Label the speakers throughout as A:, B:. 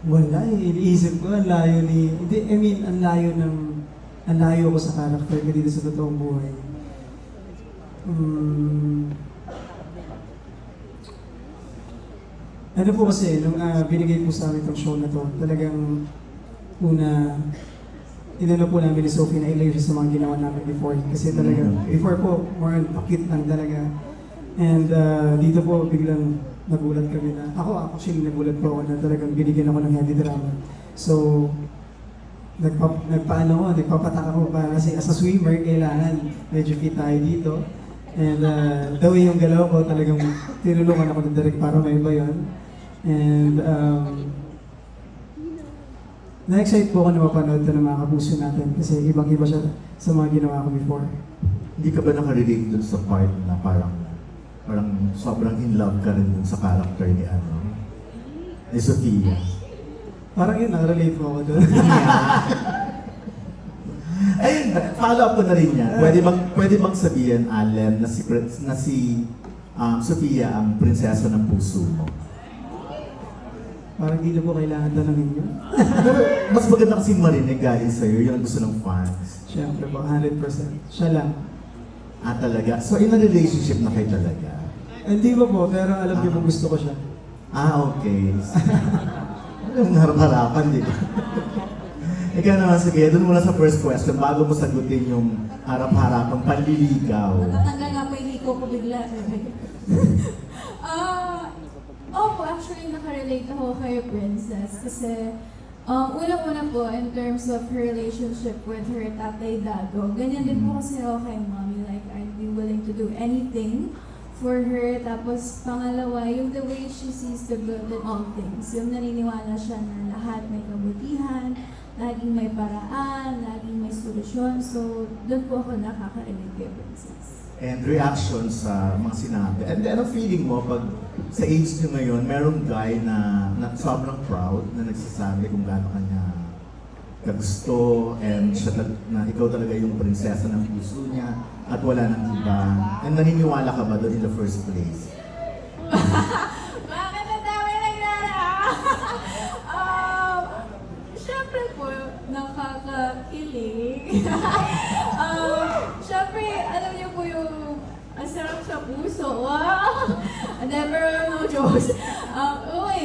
A: Wala eh, iniisip ko, ang layo ni... Hindi, I mean, ang layo ng... Ang layo ko sa character ko dito sa totoong buhay. Ano po kasi, nung binigay po sa amin itong show na to, talagang una, inano po namin ni Sophie na ilayo siya sa mga ginawa namin before. Kasi talaga, before po, more on cute lang talaga. And dito po, biglang nagulat kami na, ako actually nagulat po ako na talagang binigyan ako ng heavy drama. So, nagpapatak ako para kasi as a swimmer, kailangan medyo fit tayo dito. And the way yung galaw ko, talagang tinulungan ako ng direct para may iba yun. And na-excite po ako na mapanood ito ng mga kapuso natin kasi ibang-iba siya sa mga ginawa ko before.
B: Hindi ka ba nakarelate dun sa part na parang sobrang in love ka rin dun sa character ni Sofia?
A: Parang yun, nakarelate po ako doon.
B: Ayun, follow up ko na rin yan. Pwede bang sabihin, Allen, na si Sofia ang prinsesa ng puso mo?
A: Parang hindi na po kailangan tanongin yun.
B: Pero mas maganda kasi marinig galing sa'yo, yun ang gusto ng fans.
A: Siyempre po, 100%. Siya lang.
B: Ah, talaga? So, in a relationship na kayo talaga?
A: Hindi ba po, pero alam niyo po gusto ko siya.
B: Ah, okay. Ang harap-harapan, di ba? Ikaw naman, sige, doon muna sa first question, bago mo sagutin yung harap-harapang panliligaw.
C: Natatanggal nga po yung hiko ko bigla. Opo, actually nakarelate ako kay Princess kasi unang-una po in terms of her relationship with her tatay Dado, ganyan din po kasi ako kay mommy, like I'd be willing to do anything for her. Tapos pangalawa, yung the way she sees the good in all things, yung naniniwala siya na lahat may kabutihan, laging may paraan, laging may solusyon. So, doon po ako nakaka-relate kay Princess.
B: And reaction sa mga sinabi. And ano feeling mo pag sa age nyo ngayon, merong guy na sobrang proud na nagsasabi kung gaano kanya kagusto and siya na ikaw talaga yung prinsesa ng puso niya at wala nang iba. And naniniwala ka ba doon in the first place?
C: Bakit ang dami naglala? Siyempre po, nakakakilig. Siyempre, alam niyo po yung ang sarap sa puso. Wow! Never no jokes. Uy!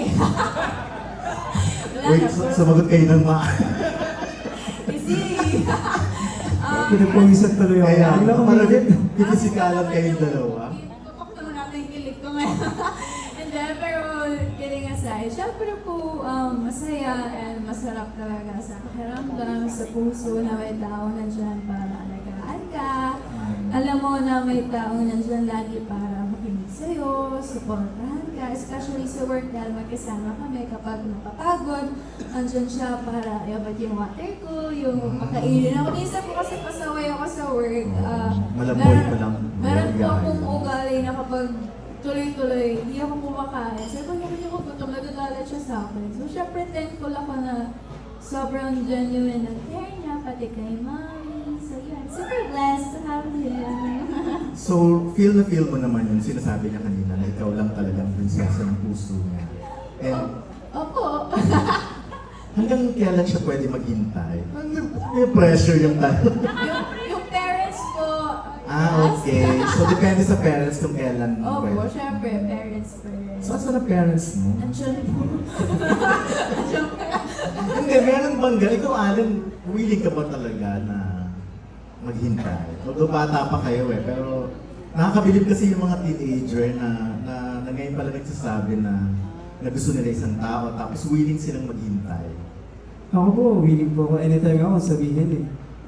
C: Wala
B: Wait,
C: na po.
B: sumagot kayo ng
C: Easy!
A: Pinagpawisan tuloy ako.
B: Kaya,
A: Hindi ako
B: parang
A: maligid.
B: pinisikalan kayong dalawa.
C: Ipapakto na natin yung kilig ko ngayon. And then, pero kidding aside, syempre po masaya and masarap talaga sa pakiramdam, sa puso na may tao nandyan para alagaan ka. Alam mo na may tao nandyan lagi para makinig sa'yo, supportahan ka, especially sa work dahil magkasama kami kapag napapagod. Andyan siya para iabot yung water ko, yung makainin ako. Minsan po kasi pasaway ako sa work.
B: Malaboy pa lang.
C: Meron po akong ugali na kapag tuloy-tuloy, hindi ako kumakain. Sabi ko, hindi ako gutom, nagagalit siya sa akin. So, syempre, thankful ako na sobrang genuine ang care niya, pati kay mommy. So, yun, super blessed to have him.
B: So, feel na feel mo naman yung sinasabi niya kanina na ikaw lang talagang prinsesa ng puso niya. And
C: Opo.
B: hanggang kailan siya pwede maghintay? May pressure yung tanong.
C: yung parents ko.
B: Okay. So, depende sa parents kung kailan
C: Opo,
B: pwede.
C: syempre, parents first.
B: So, saan ang parents mo?
C: Nandiyan po. Nandiyan po.
B: Hindi, meron bang ikaw, Alan, willing ka ba talaga na maghintay? Although bata pa kayo pero nakakabilib kasi yung mga teenager na ngayon pala nagsasabi na gusto nila isang tao tapos willing silang maghintay.
A: Ako po, willing po ako. Anytime ako sabihin eh.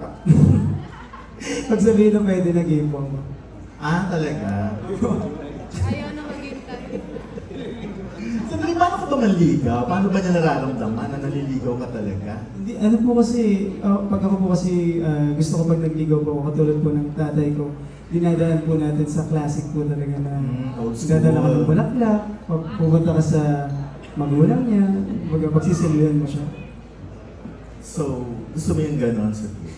A: Pag sabihin na pwede na game po ako.
B: Ah, talaga?
C: Ayaw na maghintay.
B: Sandali, paano ka ba manligaw? Paano ba niya nararamdaman na naliligaw ka talaga?
A: Hindi, ano po kasi, pag ako po kasi gusto ko pag nagligaw po ako, katulad po ng tatay ko, dinadaan po natin sa classic po talaga na
B: Old school.
A: dadala ka ng bulaklak, pupunta ka sa magulang niya, pagsisilbihan mo siya.
B: So, gusto mo yung ganon, Sophie?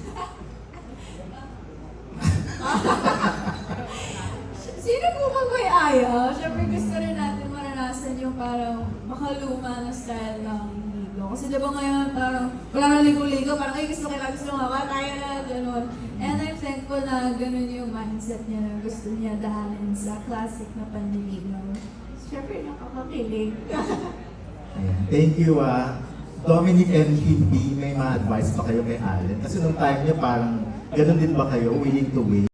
C: Sino po ba may ayaw? Siyempre gusto rin natin maranasan yung parang makaluma na style ng ligo. di ba ngayon, parang wala na ligo-ligo, parang ay gusto nga, kaya na, gano'n. And I'm thankful na gano'n yung mindset niya na gusto niya dahanin sa classic na panliligaw. Siyempre, nakakakilig.
B: Ayan. Thank you, Dominic and Kim B, may mga advice pa kayo kay Allen? Kasi nung time niya parang ganun din ba kayo, willing to wait?